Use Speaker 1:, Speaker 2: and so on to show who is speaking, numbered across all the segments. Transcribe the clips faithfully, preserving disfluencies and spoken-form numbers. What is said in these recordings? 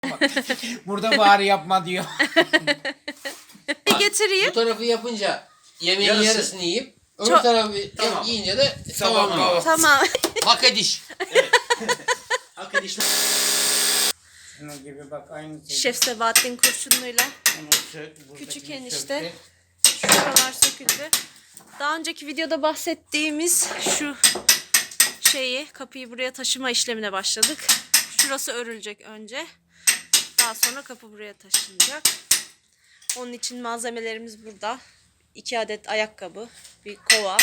Speaker 1: Burada bari yapma diyor.
Speaker 2: Bir getireyim.
Speaker 3: Bu tarafı yapınca yemeğin
Speaker 1: Yarısı.
Speaker 3: yarısını yiyip öbür
Speaker 2: Çok-
Speaker 3: tarafı
Speaker 1: Tamam.
Speaker 3: yiyince de
Speaker 1: Tamam,
Speaker 3: tamam.
Speaker 1: tamam.
Speaker 2: Tamam.
Speaker 3: Hak ediş.
Speaker 4: Hakikaten işte.
Speaker 1: Şunun gibi bak aynı şey.
Speaker 2: Şef Sebahattin kurşunluyla
Speaker 1: Onu sö- buradakini
Speaker 2: küçük
Speaker 1: söktü.
Speaker 2: enişte. Şuralar söküldü. Daha önceki videoda bahsettiğimiz şu şeyi, kapıyı buraya taşıma işlemine başladık. Şurası örülecek önce. Daha sonra kapı buraya taşınacak. Onun için malzemelerimiz burada. İki adet ayakkabı, bir kova.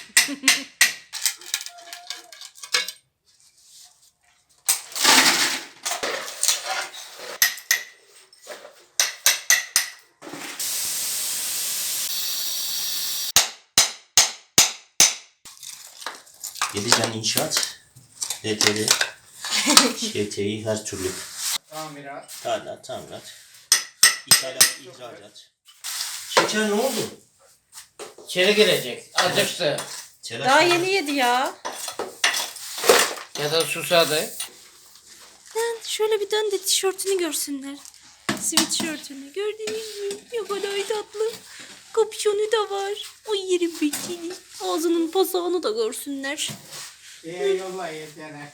Speaker 4: Yedicen inşaat. D T R. Ş T İ her türlü.
Speaker 1: Tamirat.
Speaker 4: Tadilat, tamirat. İthalat, ihracat. Şeker ne oldu?
Speaker 1: İçeri girecek. Acıktı.
Speaker 4: Telaş
Speaker 2: Daha
Speaker 4: var.
Speaker 2: yeni yedi ya.
Speaker 1: Ya da susadı.
Speaker 2: Lan şöyle bir dön de tişörtünü görsünler. Sweatshirtünü gördünüz mü? Ne kadar tatlı. Kapüşonu da var. O yerim bekini. Ağzının pasağını da görsünler.
Speaker 1: Ee, yolla yedene.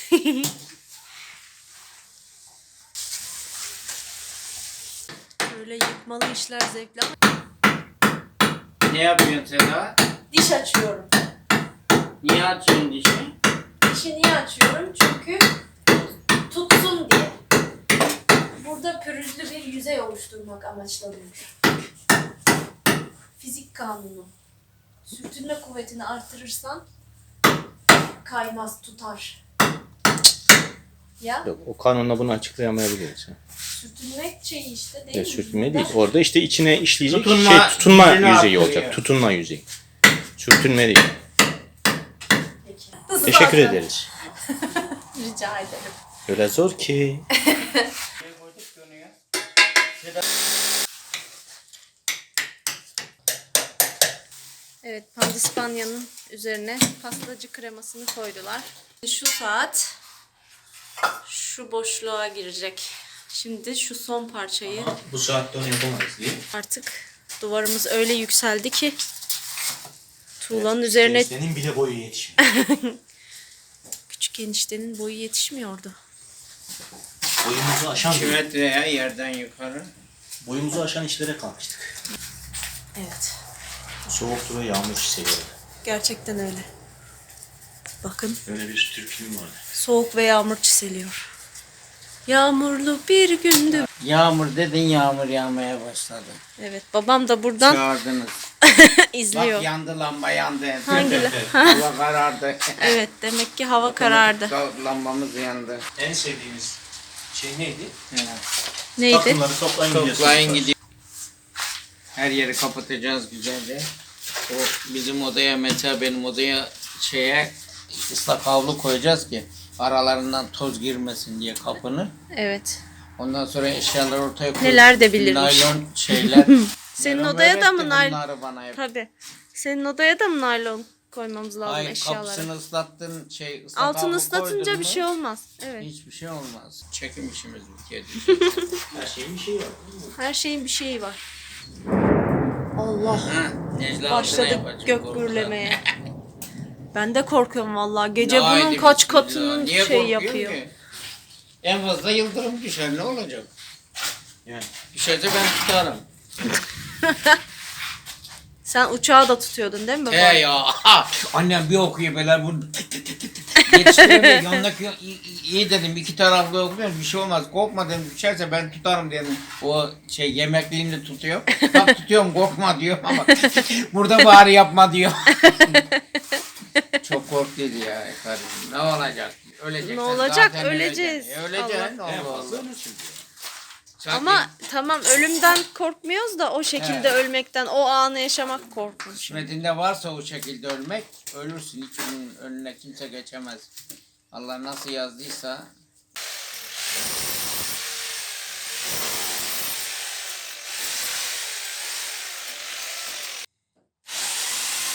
Speaker 2: Böyle yıkmalı işler zevkli ama
Speaker 1: Ne yapıyorsun Seda?
Speaker 2: diş açıyorum.
Speaker 1: Niye açıyorsun dişi?
Speaker 2: Dişi niye açıyorum? Çünkü tutsun diye. Burada pürüzlü bir yüzey oluşturmak amaçlanıyor. Fizik kanunu. Sürtünme kuvvetini artırırsan kaymaz, tutar. Ya
Speaker 4: Yok, o kanunla bunu açıklayamayabiliriz.
Speaker 2: sürtünmek şeyi işte değil
Speaker 4: Ya,
Speaker 2: mi?
Speaker 4: sürtünme değil. Orada işte içine işleyecek
Speaker 1: Tutunma
Speaker 4: şey tutunma
Speaker 1: yüzünü
Speaker 4: yüzeyi
Speaker 1: arttırıyor.
Speaker 4: olacak. Tutunma yüzeyi. Sürtünme değil.
Speaker 2: Peki.
Speaker 4: Teşekkür ederiz.
Speaker 2: Rica ederim.
Speaker 4: Öyle zor ki.
Speaker 2: Evet, pandispanya'nın üzerine pastacı kremasını koydular. Şu saat şu boşluğa girecek. Şimdi şu son parçayı
Speaker 4: Bu saatte onu yapamayız diye.
Speaker 2: artık duvarımız öyle yükseldi ki tuğlanın üzerine
Speaker 4: Senin bile boyu yetişmiyor.
Speaker 2: küçük eniştenin boyu yetişmiyordu.
Speaker 4: Boyumuzu aşan,
Speaker 1: iki metreye yerden yukarı.
Speaker 4: boyumuzu aşan işlere kalkıştık.
Speaker 2: Evet,
Speaker 4: Soğuktu ve yağmur hissediyorum.
Speaker 2: gerçekten öyle. Bakın,
Speaker 4: Böyle bir türküm vardı.
Speaker 2: soğuk ve yağmur çiseliyor. Yağmurlu bir gündü.
Speaker 1: Yağmur dedin, yağmur yağmaya başladı.
Speaker 2: Evet, babam da buradan
Speaker 1: Çağırdınız.
Speaker 2: izliyor.
Speaker 1: Bak yandı lamba yandı.
Speaker 2: Hangi?
Speaker 1: Hava karardı.
Speaker 2: Evet, demek ki hava karardı.
Speaker 1: Lambamız yandı.
Speaker 4: En sevdiğimiz şey neydi?
Speaker 2: Neydi?
Speaker 4: Takımları toplayın gidiyorsunuz.
Speaker 1: Toplayın gidiyor. Her yeri kapatacağız güzelce. O bizim odaya, mesela benim odaya şeye ıslak havlu koyacağız ki aralarından toz girmesin diye kapını.
Speaker 2: Evet.
Speaker 1: Ondan sonra eşyaları ortaya koyup
Speaker 2: Neler de bilirmiş.
Speaker 1: naylon şeyler.
Speaker 2: Senin
Speaker 1: Bunları
Speaker 2: odaya da mı
Speaker 1: öğretti
Speaker 2: naylon?
Speaker 1: bunları bana hep.
Speaker 2: Tabii. Senin odaya da mı naylon koymamız lazım
Speaker 1: Hayır,
Speaker 2: eşyalara?
Speaker 1: kapısını ıslattın, şey ıslak
Speaker 2: Altını
Speaker 1: havlu
Speaker 2: ıslatınca
Speaker 1: koydun
Speaker 2: bir
Speaker 1: mu,
Speaker 2: şey olmaz. Evet.
Speaker 1: hiçbir şey olmaz. Çekim işimiz bitiyor.
Speaker 4: Her şeyin bir şeyi var.
Speaker 2: Her şeyin bir şeyi var. Allah.
Speaker 1: Necla
Speaker 2: Başladı
Speaker 1: altına yapacak,
Speaker 2: gök
Speaker 1: korkudan.
Speaker 2: gürlemeye. Ben de korkuyorum vallahi. Gece
Speaker 1: Ne
Speaker 2: bunun
Speaker 1: haydi
Speaker 2: kaç
Speaker 1: bismillah.
Speaker 2: katının
Speaker 1: Niye
Speaker 2: şey
Speaker 1: korkuyorsun
Speaker 2: yapıyor.
Speaker 1: ki? En fazla yıldırım düşer, ne olacak?
Speaker 4: Yani.
Speaker 1: Düşerse ben tutarım.
Speaker 2: Sen uçağı da tutuyordun değil mi baba?
Speaker 1: He ya. Annem bir okuyor böyle bu yetiştiremiyor. Yanındaki iyi, iyi dedim, iki taraflı okuyor, bir şey olmaz. Korkma dedim, düşerse ben tutarım dedim. O şey yemekliğini tutuyor. Tam tutuyorum, korkma diyor ama burada bari yapma diyor. Çok korktuydu ya karım. Ne olacak? Öleceksin.
Speaker 2: Ne olacak?
Speaker 1: zaten
Speaker 2: Öleceğiz.
Speaker 1: öleceksin. E, öleceksin.
Speaker 4: En
Speaker 1: Allah
Speaker 4: fazla
Speaker 1: Allah.
Speaker 4: ölürsün diyor.
Speaker 1: Sanki
Speaker 2: Ama tamam, ölümden korkmuyoruz da o şekilde
Speaker 1: He.
Speaker 2: ölmekten, o anı yaşamak korkunç.
Speaker 1: kısmetinde varsa o şekilde ölmek, ölürsün. Hiç onun önüne kimse geçemez. Allah nasıl yazdıysa.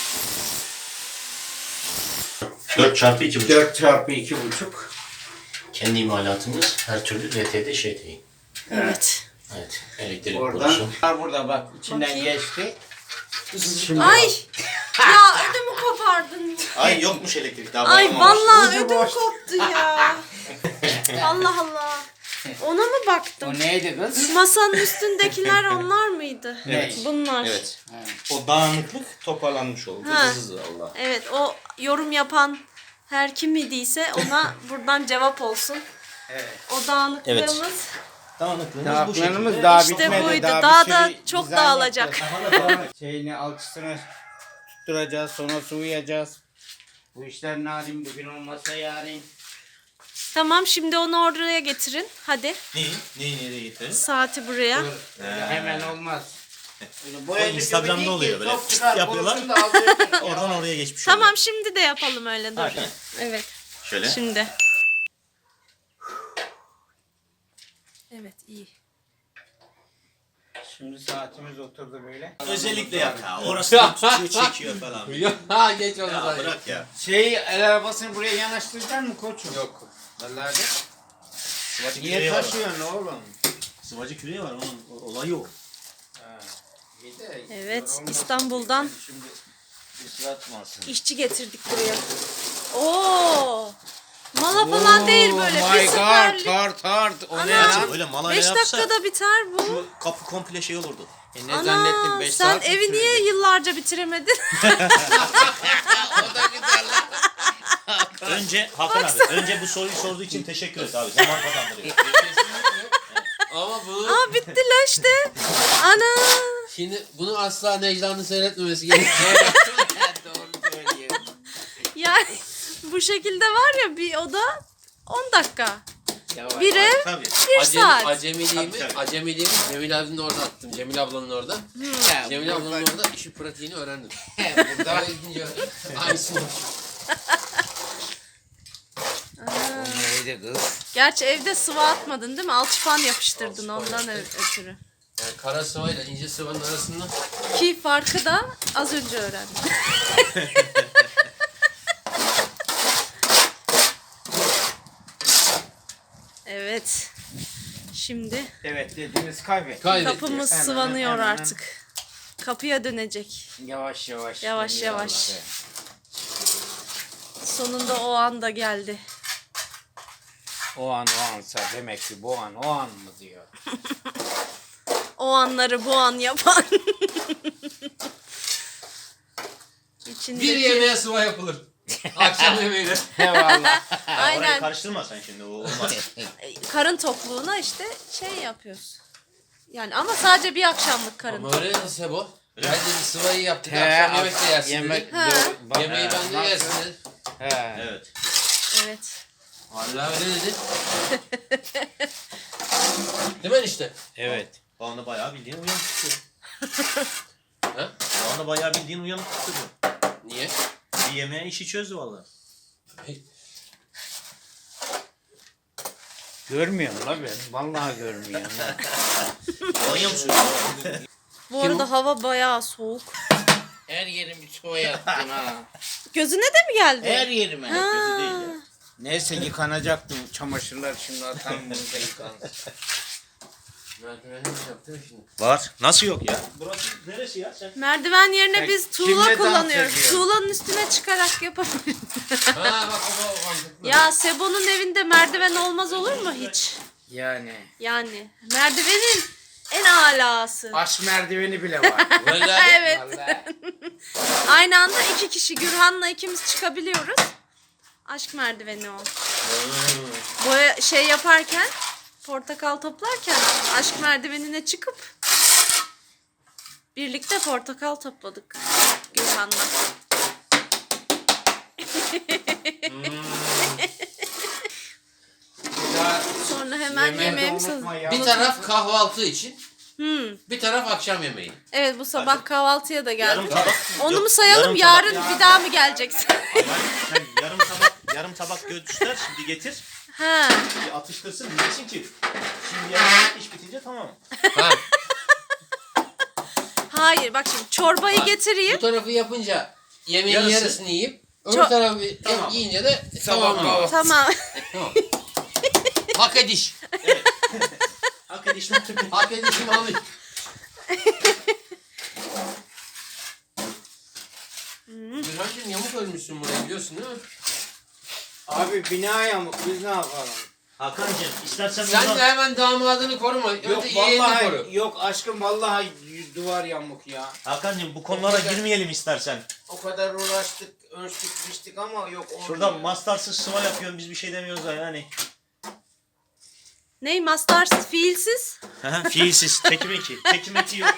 Speaker 4: dört çarpı iki buçuk.
Speaker 1: dört çarpı iki buçuk.
Speaker 4: Kendi imalatımız her türlü R T'de Ş T'yi.
Speaker 2: Evet.
Speaker 4: Evet. Elektrik
Speaker 1: Oradan.
Speaker 4: borusu.
Speaker 1: Var burada bak içinden
Speaker 2: Bakayım.
Speaker 1: geçti. Şimdi
Speaker 2: Ay! Ya ödümü kopardın.
Speaker 4: Ay yokmuş elektrik daha
Speaker 2: Ay
Speaker 4: bağlamamış.
Speaker 2: vallahi
Speaker 1: Ucu
Speaker 2: ödüm
Speaker 1: boş.
Speaker 2: koptu ya. Allah Allah. Ona mı baktım?
Speaker 1: o neydi kız?
Speaker 2: Masanın üstündekiler onlar mıydı?
Speaker 1: Evet.
Speaker 2: Bunlar.
Speaker 4: Evet. O dağınıklık toparlanmış oldu.
Speaker 2: Ha.
Speaker 4: Hızlı Allah.
Speaker 2: Evet, o yorum yapan her kim idiyse ona buradan cevap olsun.
Speaker 1: Evet.
Speaker 2: O dağınıklığımız
Speaker 4: Dağınıklığımız bu
Speaker 1: Dağınıklığımız
Speaker 4: şekilde.
Speaker 1: daha
Speaker 2: İşte
Speaker 1: bitmedi.
Speaker 2: buydu.
Speaker 1: Daha,
Speaker 2: Daha
Speaker 1: bir
Speaker 2: da
Speaker 1: sürü
Speaker 2: çok
Speaker 1: dizayn
Speaker 2: dağılacak.
Speaker 1: yapacağız. Şeyini alçısını tutturacağız, sonra sulayacağız. Bu işler narin, bugün olmasa yarın.
Speaker 2: Tamam, şimdi onu oraya getirin. Hadi.
Speaker 4: Neyi? Neyi nereye getirelim?
Speaker 2: Saati buraya.
Speaker 1: Öyle hemen olmaz. Öyle
Speaker 4: O Instagram'da
Speaker 1: gibi
Speaker 4: oluyor
Speaker 1: değil ki,
Speaker 4: böyle.
Speaker 1: çok çıkar,
Speaker 4: Yapıyorlar.
Speaker 1: konusunu da alıyorsun.
Speaker 4: Oradan oraya geçmiş oluyor.
Speaker 2: Tamam, şimdi de yapalım öyle. Dur.
Speaker 4: Hadi.
Speaker 2: Evet.
Speaker 4: Şöyle.
Speaker 2: Şimdi. Evet, iyi.
Speaker 1: Şimdi saatimiz oturdu böyle.
Speaker 4: Özellikle yap ha. Orası da tutuyor, çekiyor falan.
Speaker 3: Ha geç oldu
Speaker 4: Ya
Speaker 3: zaten.
Speaker 4: bırak ya.
Speaker 1: Şey, el arabasını buraya yanaştıracaksın mı koçum?
Speaker 3: Yok.
Speaker 1: Vallahi de.
Speaker 4: Sıvacı
Speaker 1: Niye
Speaker 4: küreği var.
Speaker 1: taşıyorsun oğlum?
Speaker 4: Sıvacı küreği var. Onun o- olayı o.
Speaker 1: Ha, iyi de
Speaker 2: Evet,
Speaker 1: zor olmaz.
Speaker 2: İstanbul'dan
Speaker 1: Şimdi ıslatmasın.
Speaker 2: işçi getirdik buraya. Oo! Mala falan değil böyle.
Speaker 1: Oh
Speaker 2: Bir
Speaker 1: my god,
Speaker 2: seferlik.
Speaker 1: tart tart. O ne
Speaker 2: Ana.
Speaker 1: lan?
Speaker 4: Öyle malayla
Speaker 2: beş
Speaker 4: yapsa
Speaker 2: dakikada biter bu.
Speaker 4: şu kapı komple şey olurdu.
Speaker 1: E ne zannettin
Speaker 2: Ana,
Speaker 1: beş
Speaker 2: sen
Speaker 1: saat mi
Speaker 2: evi niye
Speaker 1: sürecek?
Speaker 2: yıllarca bitiremedin?
Speaker 1: O da güzel lan.
Speaker 4: Önce Hakan abi, önce bu soruyu sorduğu için teşekkür et abi. Zaman kazandırıyor.
Speaker 3: Ama bunu
Speaker 2: Aa, bitti la işte. Ana.
Speaker 3: şimdi bunu asla Necla'nın seyretmemesi gerekiyor.
Speaker 1: Doğru söylüyor.
Speaker 2: Yani bu şekilde var ya, bir oda on dakika.
Speaker 1: Yavaş.
Speaker 2: Bir ev
Speaker 4: Tabii.
Speaker 2: bir
Speaker 3: Acemi,
Speaker 2: saat.
Speaker 3: acemiliğimi,
Speaker 4: Tabii, tabii.
Speaker 3: acemiliğimi Cemil abinin orada attım. Cemil ablanın orada.
Speaker 1: Ya,
Speaker 3: Cemil
Speaker 1: burada-
Speaker 3: ablanın orada işin pratiğini öğrendim.
Speaker 1: Burada
Speaker 3: Daha gidince aynısını.
Speaker 1: o neydi kız?
Speaker 2: Gerçi evde sıvı atmadın değil mi? Alçıpan yapıştırdın ondan ö- ötürü.
Speaker 3: Yani kara sıvayla ince sıvanın arasında
Speaker 2: Ki farkı da az önce öğrendim. Evet. Şimdi
Speaker 1: Evet dediğiniz kaybet.
Speaker 3: kaybettik.
Speaker 2: kapımız
Speaker 1: Hemen,
Speaker 2: sıvanıyor
Speaker 1: hemen.
Speaker 2: artık. Kapıya dönecek.
Speaker 1: Yavaş yavaş.
Speaker 2: Yavaş,
Speaker 1: dönüyor
Speaker 2: yavaş.
Speaker 1: vallahi.
Speaker 2: Sonunda o an da geldi.
Speaker 1: O an o ansa demek ki bu an o an mı diyor.
Speaker 2: O anları bu an yapan. İçindeki...
Speaker 3: Bir yemeğe sıva yapılır. Akşam yemeğine.
Speaker 1: Eyvallah.
Speaker 4: Orayı
Speaker 2: Aynen.
Speaker 4: karıştırma sen şimdi. O olmaz.
Speaker 2: Karın tokluğuna işte şey yapıyoruz. Yani ama sadece bir akşamlık karın.
Speaker 3: Ama öyle dedi Sebo. Ben dedi sıvayı yaptık
Speaker 1: He,
Speaker 3: akşam yemek de yersin
Speaker 1: yemek
Speaker 3: dedi.
Speaker 2: Ha.
Speaker 1: doğru. Bak-
Speaker 3: Yemeği ben de
Speaker 1: Nasıl?
Speaker 3: yersin dedi.
Speaker 1: He.
Speaker 4: Evet.
Speaker 2: Evet.
Speaker 3: Vallahi öyle dedi. Değil mi işte?
Speaker 1: Evet.
Speaker 4: O anda bayağı bildiğin uyanık tutuyor.
Speaker 3: Ha?
Speaker 4: O anda bayağı bildiğin uyanık tutuyor.
Speaker 3: Niye?
Speaker 4: Bir yemeğe işi çözdü valla.
Speaker 1: Görmüyorum la ben. Vallahi görmüyorum. ya.
Speaker 4: Alanya mı
Speaker 2: Bu arada hava bayağı soğuk.
Speaker 1: Her yerimi çoğu yattın ha.
Speaker 2: Gözüne de mi geldi?
Speaker 1: Her yerime.
Speaker 2: Ha.
Speaker 4: Gözü değil ya.
Speaker 1: Neyse yıkanacaktım. Çamaşırlar şimdi atam bunu da yıkansın.
Speaker 3: Merdivenini mi yaptın şimdi?
Speaker 4: Var. Nasıl yok ya? Burası neresi ya sen?
Speaker 2: Merdiven yerine
Speaker 1: Sen
Speaker 2: biz
Speaker 1: kimle
Speaker 2: tuğla
Speaker 1: dans
Speaker 2: kullanıyoruz.
Speaker 1: ediyorsun?
Speaker 2: Tuğlanın üstüne çıkarak yapabiliriz.
Speaker 3: Ha bak o da mantıklı.
Speaker 2: Ya Sebo'nun evinde merdiven olmaz olur mu hiç?
Speaker 1: Yani.
Speaker 2: Yani merdivenin en alası.
Speaker 1: Aşk merdiveni bile var.
Speaker 3: Vallahi
Speaker 2: Evet.
Speaker 1: Vallahi.
Speaker 2: Aynı anda iki kişi Gürhan'la ikimiz çıkabiliyoruz. Aşk merdiveni o. Boya şey yaparken, portakal toplarken aşk merdivenine çıkıp birlikte portakal topladık Gürhan'la.
Speaker 1: Ya,
Speaker 2: Sonra hemen
Speaker 1: yemeği de
Speaker 2: yemeğimiz hazır.
Speaker 1: unutma ya.
Speaker 3: bir taraf kahvaltı için,
Speaker 2: Hmm.
Speaker 3: bir taraf akşam yemeği.
Speaker 2: Evet, bu sabah kahvaltıya da
Speaker 4: Yarım
Speaker 2: geldik.
Speaker 4: tabak.
Speaker 2: Onu
Speaker 4: Yok,
Speaker 2: mu sayalım,
Speaker 4: yarım
Speaker 2: yarın
Speaker 4: tabak.
Speaker 2: bir daha mı geleceksin?
Speaker 4: Hayır, sen yarım tabak, yarım tabak göster şimdi getir.
Speaker 2: Ha.
Speaker 4: Bir atıştırsın diyeceksin ki şimdi yarın iş bitince tamam.
Speaker 3: Ha,
Speaker 2: Hayır, bak şimdi çorbayı
Speaker 3: Ha,
Speaker 2: getireyim.
Speaker 3: bu tarafı yapınca yemeğin
Speaker 4: Yarısı.
Speaker 3: yarısını yiyip öbür
Speaker 2: Çok-
Speaker 3: tarafı
Speaker 4: Tamam.
Speaker 3: yiyince de
Speaker 1: Sabah
Speaker 3: tamam.
Speaker 1: kahvaltı.
Speaker 2: Tamam.
Speaker 3: Tamam. Hak ediş.
Speaker 4: Hak edişim.
Speaker 3: Hak edişim alış. Gürhancığım yamuk ölmüşsün buraya biliyorsun değil mi?
Speaker 1: Abi bina yamuk biz ne yapalım?
Speaker 4: Hakan'cığım istersen
Speaker 3: Sen
Speaker 4: buradan-
Speaker 3: de hemen damadını koruma.
Speaker 1: Yok
Speaker 3: Önce yeğenini
Speaker 1: vallahi
Speaker 3: koru.
Speaker 1: yok aşkım vallahi duvar yamuk ya.
Speaker 4: Hakan'cığım bu konulara girmeyelim istersen.
Speaker 1: O kadar uğraştık, ölçtük, biçtik ama yok. olmuyor.
Speaker 4: Şuradan mastarsız sıva yapıyorsun biz bir şey demiyoruz da yani.
Speaker 2: Ney mastarsız, fiilsiz?
Speaker 4: Fiilsiz. Tekim eki. Tekim eki yok.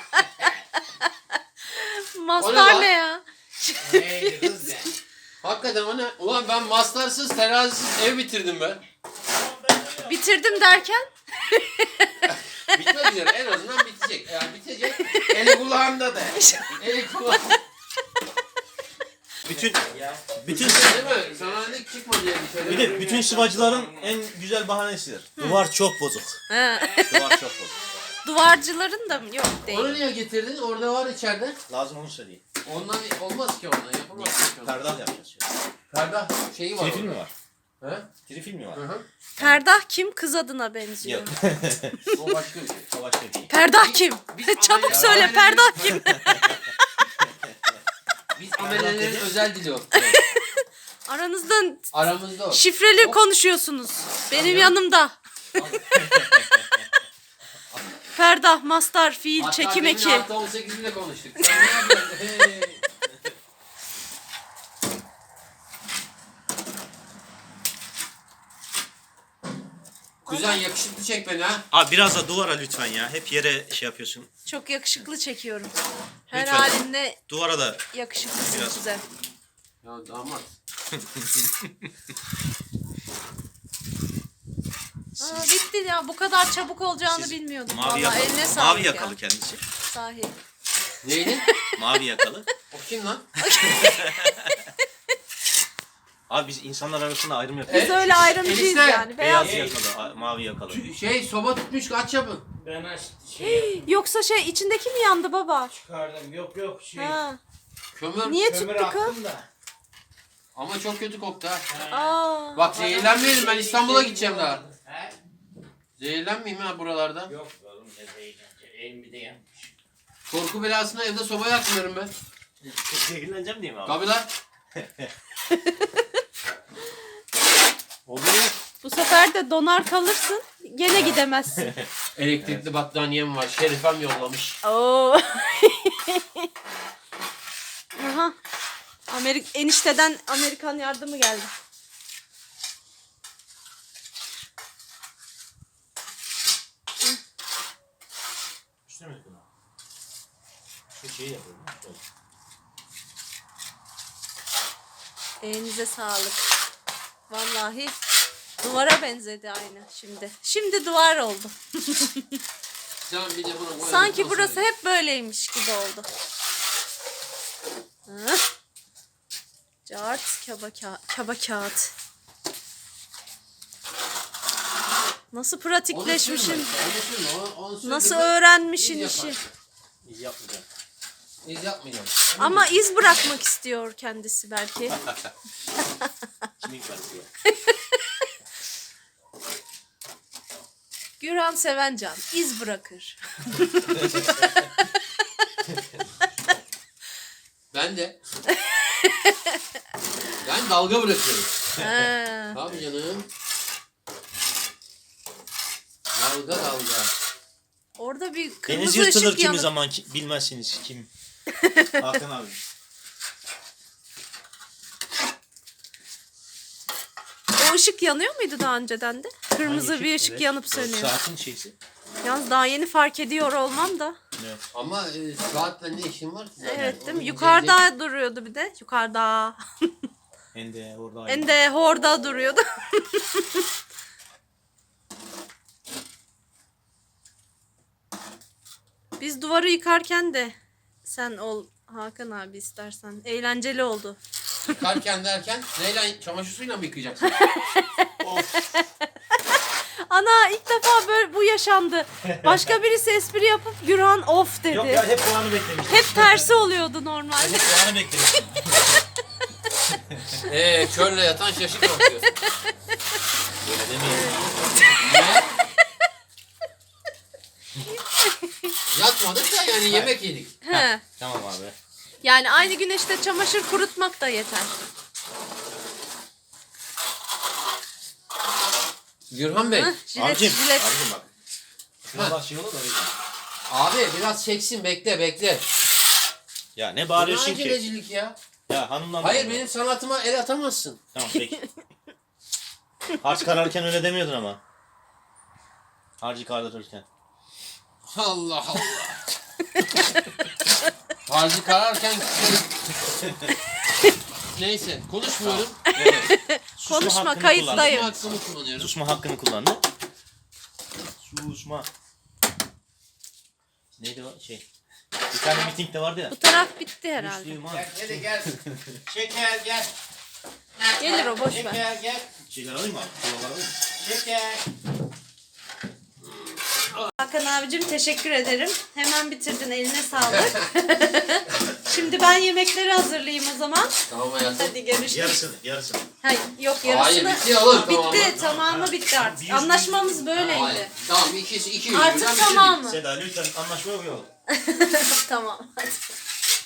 Speaker 2: Mastar
Speaker 3: lan?
Speaker 2: ne ya?
Speaker 1: Neydi kız ya?
Speaker 3: Hakikaten o ne? Ulan ben mastarsız terazisiz ev bitirdim ben.
Speaker 2: Bitirdim derken?
Speaker 3: Bitmek üzere en azından bitecek. Yani bitecek.
Speaker 1: Eli kulağımda da.
Speaker 3: Eli kulağında.
Speaker 4: Bütün bütün
Speaker 3: Değil mi? Sanayilik çıkma diye bir şey.
Speaker 4: bir de bütün sıvacıların en güzel bahanesidir. Duvar çok bozuk.
Speaker 2: Ha.
Speaker 4: Duvar çok bozuk.
Speaker 2: Duvarcıların da mı? Yok değil.
Speaker 3: Onu niye getirdin? Orada var içeride.
Speaker 4: Lazım onu söyleyeyim.
Speaker 3: Ondan olmaz ki ondan. Yapamaz ki ondan.
Speaker 4: Perdah yapacağız.
Speaker 3: Ferdah şeyi var.
Speaker 4: Trifil mi var?
Speaker 3: He?
Speaker 4: Trifil mi var?
Speaker 3: Hı hı.
Speaker 2: Ferdah kim? Kız adına benziyor.
Speaker 4: Yok.
Speaker 3: O başka bir şey.
Speaker 4: O başka bir şey.
Speaker 2: Ferdah kim?
Speaker 3: Biz
Speaker 2: Çabuk
Speaker 3: ameliyat-
Speaker 2: söyle
Speaker 3: ameliyat-
Speaker 2: Ferdah kim?
Speaker 3: Biz amelelerin özel dili o.
Speaker 2: Aranızdan
Speaker 3: Aramızda o.
Speaker 2: şifreli konuşuyorsunuz. Benim yanımda. Ferdah, mastar, fiil,
Speaker 3: Hatta
Speaker 2: çekim
Speaker 3: demin
Speaker 2: eki.
Speaker 3: Hatta on sekiz bile konuştuk. Sen ne yapıyorsun? Hey. Kuzen yakışıklı çek beni ha.
Speaker 4: Abi biraz da duvara lütfen ya. Hep yere şey yapıyorsun.
Speaker 2: Çok yakışıklı çekiyorum. Her
Speaker 4: Lütfen.
Speaker 2: halinle
Speaker 4: Duvara da
Speaker 2: yakışıklısın
Speaker 4: Biraz.
Speaker 2: size.
Speaker 3: Ya damat.
Speaker 2: Aa, bitti ya. Bu kadar çabuk olacağını
Speaker 4: Siz
Speaker 2: bilmiyordum.
Speaker 4: mavi
Speaker 2: Vallahi
Speaker 4: yakalı.
Speaker 2: eline sağlık
Speaker 4: Mavi
Speaker 2: ya.
Speaker 4: yakalı kendisi.
Speaker 2: Sahi.
Speaker 3: Neydi?
Speaker 4: Mavi yakalı.
Speaker 3: O kim lan?
Speaker 4: Abi biz insanlar arasında ayrım yapıyoruz.
Speaker 2: Biz öyle ayrımcıyız
Speaker 3: Enişte,
Speaker 2: yani. Beyaz.
Speaker 4: Beyaz yakalı, a- mavi yakalı.
Speaker 3: Şey soba tutmuş kaç yapın?
Speaker 1: Ben aç şey
Speaker 2: Yoksa şey içindeki mi yandı baba?
Speaker 1: çıkardım. Yok yok şey.
Speaker 2: Ha.
Speaker 3: Kömür.
Speaker 2: Niye
Speaker 1: Kömür
Speaker 2: tuttu kız?
Speaker 1: attım da.
Speaker 3: Ama çok kötü koktu ha.
Speaker 2: Aa.
Speaker 3: Bak zehirlenmeyelim ben İstanbul'a gideceğim daha.
Speaker 1: He?
Speaker 3: Zehirlenmeyeyim ha buralarda.
Speaker 1: Yok oğlum ne zehirlenecek. Elimi de yanmış.
Speaker 3: Korku belasına evde soba yakmıyorum ben.
Speaker 4: Zehirleneceğim diye mi abi?
Speaker 3: Tabii lan. Oluyor.
Speaker 2: Bu sefer de donar kalırsın. Gene gidemezsin.
Speaker 3: Elektrikli battaniyem var. Şerifem yollamış.
Speaker 2: Oo. Aha. Amerik enişteden Amerikan yardımı geldi.
Speaker 4: İşte mi bunu? Şu şeyi yapıyorum. Şöyle.
Speaker 2: Elinize sağlık. Vallahi duvara benzedi aynı şimdi. Şimdi duvar oldu.
Speaker 3: Can bir de bunu koyalım.
Speaker 2: Sanki burası hep böyleymiş gibi oldu. Hı. Cart kaba, ka kaba kağıt. Nasıl pratikleşmişsin?
Speaker 3: Onu sürme. Onu, onu sürme.
Speaker 2: Nasıl
Speaker 3: Biz
Speaker 2: öğrenmişsin
Speaker 3: yapar.
Speaker 2: işi?
Speaker 4: İz yapmayacağım.
Speaker 3: Biz yapmayacağım.
Speaker 2: Ama iz bırakmak istiyor kendisi belki.
Speaker 4: Kimin karısı ya?
Speaker 2: Gürhan Sevencan iz bırakır.
Speaker 3: Ben de. Ben dalga bırakıyorum.
Speaker 2: Ha.
Speaker 3: Tabii canım. Dalga dalga.
Speaker 2: Orada bir
Speaker 4: Deniz
Speaker 2: kırmızı
Speaker 4: yırtılır
Speaker 2: ışık
Speaker 4: kimi
Speaker 2: yanıp
Speaker 4: zaman ki- bilmezsiniz kim. Hakan abi.
Speaker 2: o ışık yanıyor muydu daha önceden de? Kırmızı
Speaker 4: Hangi
Speaker 2: bir
Speaker 4: ışık?
Speaker 2: ışık
Speaker 4: Evet.
Speaker 2: yanıp
Speaker 4: O
Speaker 2: sönüyor.
Speaker 4: Saatin şeysi.
Speaker 2: Yalnız daha yeni fark ediyor olmam da.
Speaker 4: Evet.
Speaker 3: Ama e, saatle ne işin var ki zaten?
Speaker 2: Evet değil mi?
Speaker 3: Onu
Speaker 2: Yukarıda duruyordu bir de. Yukarıda.
Speaker 4: Hem de orada aynı.
Speaker 2: En de horda duruyordu. Biz duvarı yıkarken de sen ol Hakan abi istersen. Eğlenceli oldu.
Speaker 3: Yıkarken derken neyle çamaşır suyuyla mı yıkayacaksın?
Speaker 2: Ana ilk defa böyle bu yaşandı. Başka birisi espri yapıp Gürhan of dedi.
Speaker 4: Yok ya hep o anı beklemiştim.
Speaker 2: Hep tersi oluyordu normalde.
Speaker 4: Hep o anı beklemiştim.
Speaker 3: Eee körle yatan şaşık bakıyor.
Speaker 4: Öyle demeyelim.
Speaker 3: Yatmadık da yani yemek yedik.
Speaker 2: He.
Speaker 4: Tamam abi.
Speaker 2: Yani aynı güneşte çamaşır kurutmak da yeter.
Speaker 3: Gürhan Bey.
Speaker 2: Hı, jilet,
Speaker 4: Abicim,
Speaker 2: jilet.
Speaker 4: abicim bak. Şuna bak şey olur da öyle.
Speaker 3: Abi biraz çeksin bekle bekle.
Speaker 4: Ya ne
Speaker 3: Bu
Speaker 4: bağırıyorsun
Speaker 3: ne
Speaker 4: ki?
Speaker 3: acelecilik ya?
Speaker 4: Ya hanımdan
Speaker 3: Hayır
Speaker 4: da-
Speaker 3: benim sanatıma el atamazsın.
Speaker 4: Tamam peki. Harç kararken öyle demiyordun ama. Harcı kardırırken.
Speaker 3: Allah Allah. Harcı kararken neyse konuşmuyorum.
Speaker 4: Susma
Speaker 2: Konuşma,
Speaker 4: hakkını
Speaker 2: kayıttayım.
Speaker 3: Benim
Speaker 4: kullandı.
Speaker 3: hakkımı kullanıyorum.
Speaker 4: Susma hakkını kullandı. Susma. Neydi o şey? Bir tane mitingde vardı ya.
Speaker 2: Bu taraf bitti herhalde.
Speaker 4: Müslüman.
Speaker 1: Gel hadi gel. Şeker gel.
Speaker 2: Gelir o, boş ver.
Speaker 1: Şeker gel.
Speaker 4: Şeyler alayım mı abi? Kovalar alayım mı?
Speaker 1: Şeker.
Speaker 2: Hakan abicim teşekkür ederim. Hemen bitirdin, eline sağlık. Şimdi ben yemekleri hazırlayayım o zaman.
Speaker 3: Tamam hayatım.
Speaker 2: Hadi görüşürüz.
Speaker 4: Yarısını, yarısını.
Speaker 2: Hayır, yok
Speaker 3: Hayır
Speaker 2: yarısını.
Speaker 3: bitti oğlum
Speaker 2: Bitti,
Speaker 3: tamamı.
Speaker 2: tamamı bitti artık.
Speaker 4: Bir yüz-
Speaker 2: Anlaşmamız böyleydi.
Speaker 3: Hayır. Tamam iki iki yüz.
Speaker 2: Artık tamamı.
Speaker 4: Seda lütfen anlaşma yok.
Speaker 2: Tamam hadi.